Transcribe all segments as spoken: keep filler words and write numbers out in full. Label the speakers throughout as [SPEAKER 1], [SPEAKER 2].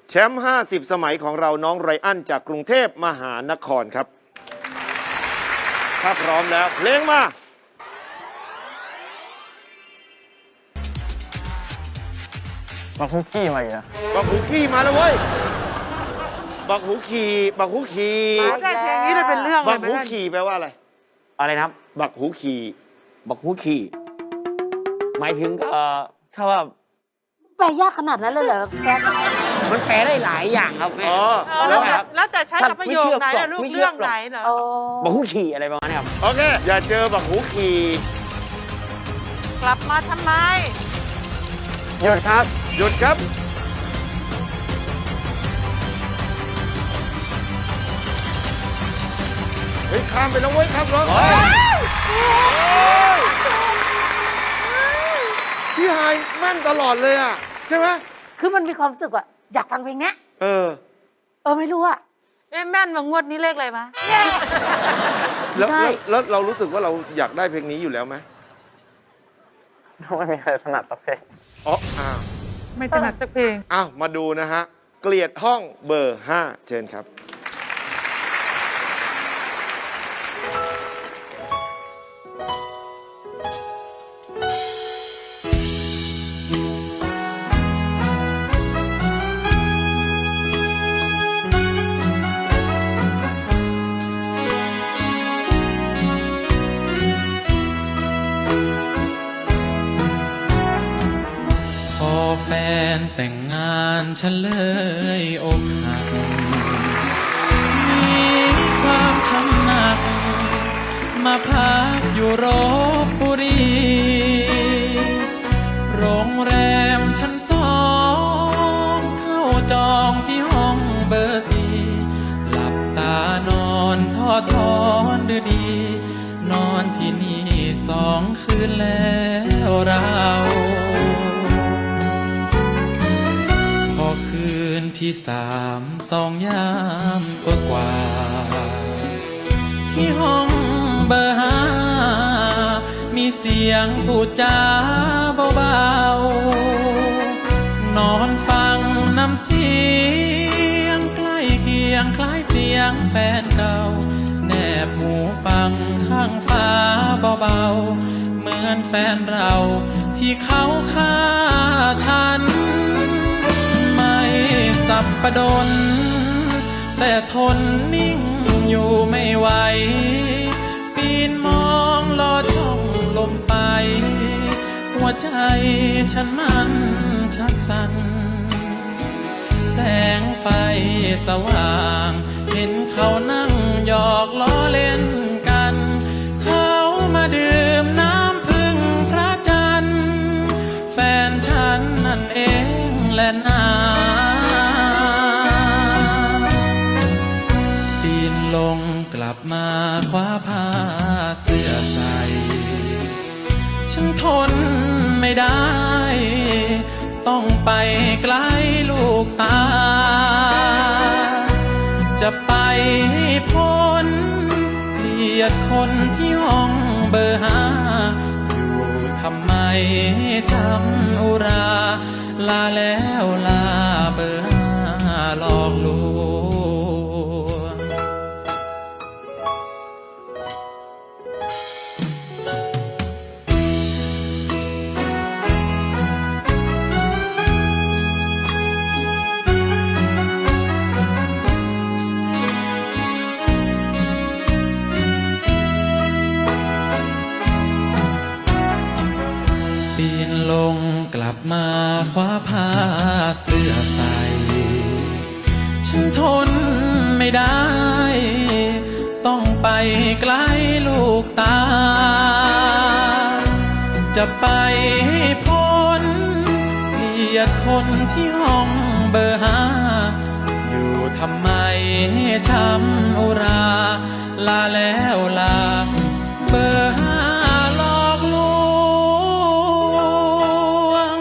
[SPEAKER 1] แชมป์ห้าสิบสมัยของเราน้องไรอันจากกรุงเทพมหานครครับถ้าพร้อมแล้วเพลงมา
[SPEAKER 2] บักฮุกกี้มาอีกนะ
[SPEAKER 1] บักหูขี่มาแล้วเว้ยบักหูขี่บักหูขี่
[SPEAKER 3] ได้เพลงนี้เลยเป็นเรื่องเลย
[SPEAKER 1] บักหูขี่แปลว่าอะไร
[SPEAKER 2] อะไรนะครับ
[SPEAKER 1] บักหูขี่
[SPEAKER 2] บักฮุกกี้หมายถึงเอ่อถ้าว่า
[SPEAKER 4] แปลยากขนาดนั้นเลยเหรอแก๊ส
[SPEAKER 2] มันแปลได้หลายอย่างครับแม่
[SPEAKER 1] อ๋อ
[SPEAKER 3] เออแล้วแต่แล้วแต่ใช้กับประโยคไหน
[SPEAKER 2] ท่า
[SPEAKER 3] ล่ะ
[SPEAKER 2] น
[SPEAKER 3] ลูก
[SPEAKER 2] ไม่เชื่อ
[SPEAKER 3] เรื่อง
[SPEAKER 2] หรอก
[SPEAKER 3] ไหนเหรอ
[SPEAKER 4] โอ้
[SPEAKER 2] บักฮุกกี้อะไรประมาณนี้ครับ
[SPEAKER 1] โอเคอย่าเจอบักหูขี่
[SPEAKER 3] กลับมาทำไม
[SPEAKER 2] หยุดครับ
[SPEAKER 1] หยุดครับเฮ้ยข้ามไปแล้วเว้ยครับร้องพี่ไฮายแม่นตลอดเลยอ่ะใช่ไหม
[SPEAKER 4] คือมันมีความรู้สึกว่าอยากฟังเพลงเนี้ย
[SPEAKER 1] เออ
[SPEAKER 4] เออไม่รู้อะ
[SPEAKER 3] เอ๊ะแม่นมางวดนี้เลขอะไรมะ
[SPEAKER 1] แล้ว
[SPEAKER 4] ใช่
[SPEAKER 1] แล้วแล้วเรารู้สึกว่าเราอยากได้เพลงนี้อยู่แล้วไหม
[SPEAKER 2] ไม่มีอะไรถนัดสักเพลง
[SPEAKER 1] อ๋ออ้าว
[SPEAKER 3] ไม่ถนัดสักเพลง
[SPEAKER 1] อ้าวมาดูนะฮะ เกลียดห้องเบอร์ห้าเชิญครับ
[SPEAKER 5] พอแฟนแต่งงานฉันเลยอกหัก มีความช้ำหนัก มาพักอยู่รบบุรี โรงแรมชั้นสองเข้าจองที่ห้องเบอร์สี่หลับตานอนทอดทอนดือดี นอนที่นี่สองคืนแล้วเราพอคืนที่สามสองยามกว่ากว่า ที่ห้องเบอร์ห้ามีเสียงพูดจาเบาๆนอนฟังน้ำเสียงใกล้เคียงคล้ายเสียงแฟนเก่าแนบหูฟังข้างฟ้าเบาๆเหมือนแฟนเราที่เขาฆ่าฉันไม่สับประดนแต่ทนนิ่งอยู่ไม่ไหวปีนมองลอดช่องลมไปหัวใจฉันมันชักสั่นแสงไฟสว่างเห็นเขานั่งหยอกล้อเล่นกันเขามาดื่มน้ำพึ่งพระจันทร์แฟนฉันนั่นเองแหละนาปีนลงกลับมาคว้าผ้าเสื้อใส่ฉันทนไม่ได้ ต้องไปไกลลูกตา จะไปให้พ้นเกลียดคนที่ห้องเบอร์ห้าอยู่ทำไมจำอุรา ลาแล้วลาเบอร์ห้าหลอกลวง ปีนลงกลับมาคว้าผ้าเสื้อใส่ ฉันทนไม่ได้ ต้องไปไกลลูกตา จะไปให้พ้นเกลียดคนที่ห้องเบอร์ห้าอยู่ทำไมช้ำอุรา ลาแล้วลาเบอร์ห้าหลอกลวง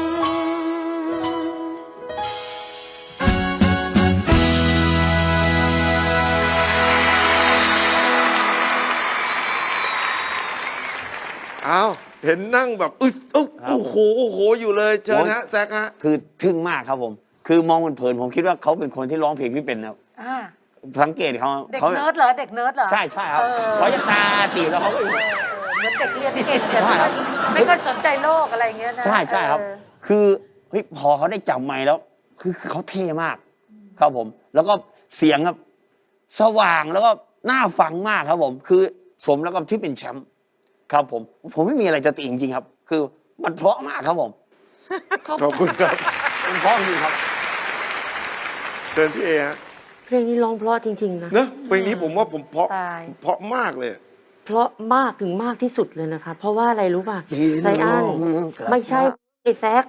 [SPEAKER 1] อ้าวเห็นนั่งแบบอึ๊ดอุ๊บโอ้โหโอ้โหอยู่เลยเชิญฮะแซกฮะ
[SPEAKER 2] คือทึ่งมากครับผมคือมองเผินๆผมคิดว่าเขาเป็นคนที่ร้องเพลงไม่เป็นนะครับ
[SPEAKER 4] อ่า
[SPEAKER 2] สังเกตเขา
[SPEAKER 4] เด็ก
[SPEAKER 2] เขา
[SPEAKER 4] เนิร์ดเหรอเด็กเนิร์ดเหรอ
[SPEAKER 2] ใช่ใช่ครับ
[SPEAKER 4] เออ
[SPEAKER 2] เขาจะตาตีแล้วเขาก็
[SPEAKER 4] เออเหมือนเด็กเรียนเก่งแต่
[SPEAKER 2] ใช่ครับ
[SPEAKER 4] ไม่ค่อยสนใจโลกอะไรอย่างเงี้ยนะ
[SPEAKER 2] ใช่ใช่ครับ
[SPEAKER 4] เออ
[SPEAKER 2] คือเฮ้ยพอเขาได้จับไมค์แล้ว คือคือเขาเท่มาก ครับผม แล้วก็เสียงครับสว่างแล้วก็น่าฟังมากครับผม คือสมแล้วก็ที่เป็นแชมป์ครับผม ผมไม่มีอะไรจะติจริงๆครับ คือมันเพราะมากครับผม
[SPEAKER 1] ขอบคุณครับ
[SPEAKER 2] มันเพราะจริงครับ
[SPEAKER 1] เชิญพี่เอฮะ
[SPEAKER 6] เพลงนี้ร้องเพราะจริงๆนะ
[SPEAKER 1] เนอะเพลงนี้ผมว่าผมเพราะ
[SPEAKER 4] ตาย
[SPEAKER 1] เพราะมากเลย
[SPEAKER 6] เพราะมากถึงมากที่สุดเลยนะคะ เพราะว่าอะไรรู้ป่ะ
[SPEAKER 2] ดี
[SPEAKER 6] ไรอัน
[SPEAKER 2] น้องกลับ
[SPEAKER 6] ไม่ใช่ไอ้แซก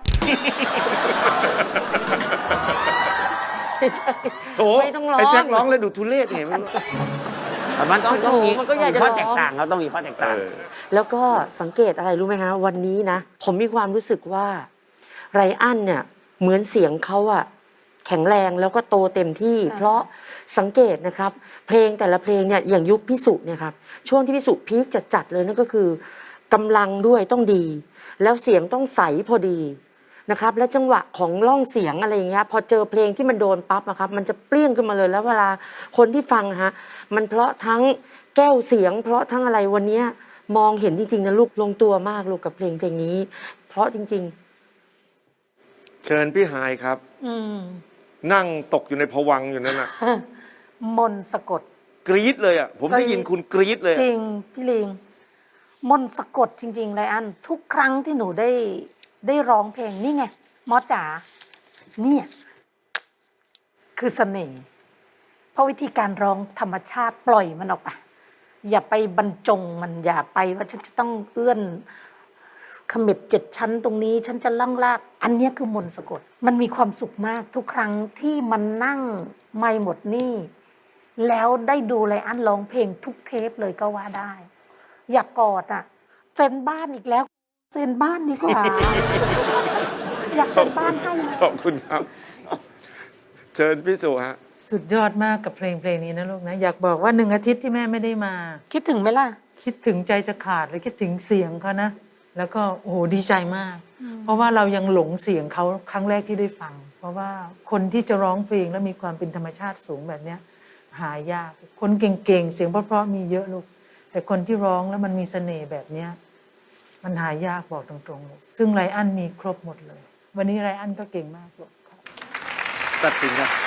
[SPEAKER 6] ไม่ใช่
[SPEAKER 1] โถ
[SPEAKER 6] ไม่ต้องร้อง
[SPEAKER 1] ไอ้แจ็คร้องเลยดูทุเรศเห็นไหม
[SPEAKER 2] มันต้องต้องมี
[SPEAKER 6] มันก็อยากจะ
[SPEAKER 2] ข้อ
[SPEAKER 6] ร้อง
[SPEAKER 2] แตกต่างครับต้องมีข้อแตก
[SPEAKER 1] เอ
[SPEAKER 2] ต่าง
[SPEAKER 1] อ
[SPEAKER 6] แล้วก็สังเกตอะไรรู้ไหมฮะวันนี้นะ ผมมีความรู้สึกว่าไรอันเนี่ยเหมือนเสียงเขาอะแข็งแรงแล้วก็โตเต็มที่ เพราะสังเกตนะครับ เพลงแต่ละเพลงเนี่ยอย่างยุคพิสุเนี่ยครับช่วงที่พิสุพีคจัดๆเลยนั่นก็คือกำลังด้วยต้องดี แล้วเสียงต้องใสพอดีนะครับ และจังหวะของร่องเสียงอะไรอย่างเงี้ยพอเจอเพลงที่มันโดนปั๊บนะครับ มันจะเปรี้ยงขึ้นมาเลยแล้วเวลาคนที่ฟังฮะมันเพราะทั้งแก้วเสียง เพราะทั้งอะไรวันเนี้ยมองเห็นจริงๆนะลูกลงตัวมากลูกกับเพลงเพลงนี้ เพราะจริง
[SPEAKER 1] เชิญพี่หายครับ
[SPEAKER 4] อืม
[SPEAKER 1] นั่งตกอยู่ในภวังค์อยู่นั่นน่ะ
[SPEAKER 4] มนต์สะกด
[SPEAKER 1] กรี๊ดเลยอ่ะ ผมได้ยินคุณกรี๊ดเลย
[SPEAKER 4] จ
[SPEAKER 1] อะ
[SPEAKER 4] ริง พี่ลิง มนต์สะกดจริงๆเลยอัน ทุกครั้งที่หนูได้ได้ร้องเพลงนี่ไงมอจ๋าเนี่ย คือเสน่ห์เพราะวิธีการร้องธรรมชาติปล่อยมันออกไป อย่าไปบรรจงมันอย่าไปว่าฉันจะต้องเอื้อนขมิบเจ็ดชั้นตรงนี้ ฉันจะล่องลาก อันเนี้ยคือมนต์สะกด มันมีความสุขมากทุกครั้งที่มันนั่งไม่หมดหนี่ แล้วได้ดูไลอ้อนร้องเพลงทุกเทปเลยก็ว่าได้ อยากกอดอ่ะเซ็นบ้านอีกแล้วเซ็นบ้านดีกว่า อยากเซ็นบ้านให้
[SPEAKER 1] ขอบคุณครับ เชิญพี่สุฮะ
[SPEAKER 3] สุดยอดมากกับเพลงเพลงนี้นะลูกนะ อยากบอกว่าหนึ่งอาทิตย์ที่แม่ไม่ได้มา
[SPEAKER 4] คิดถึงไหมล่ะ
[SPEAKER 3] คิดถึงใจจะขาดเลยคิดถึงเสียงเขานะ แล้วก็โอ้โหดีใจมาก เพราะว่าเรายังหลงเสียงเขาครั้งแรกที่ได้ฟัง เพราะว่าคนที่จะร้องเพลงแล้วมีความเป็นธรรมชาติสูงแบบเนี้ยหายาก คนเก่งๆเสียงเพราะๆมีเยอะลูก แต่คนที่ร้องแล้วมันมีเสน่ห์แบบเนี้ยมันหายากบอกตรงๆลูกซึ่งไรอันมีครบหมดเลย วันนี้ไรอันก็เก่งมากลูก
[SPEAKER 1] ตัดสินครับ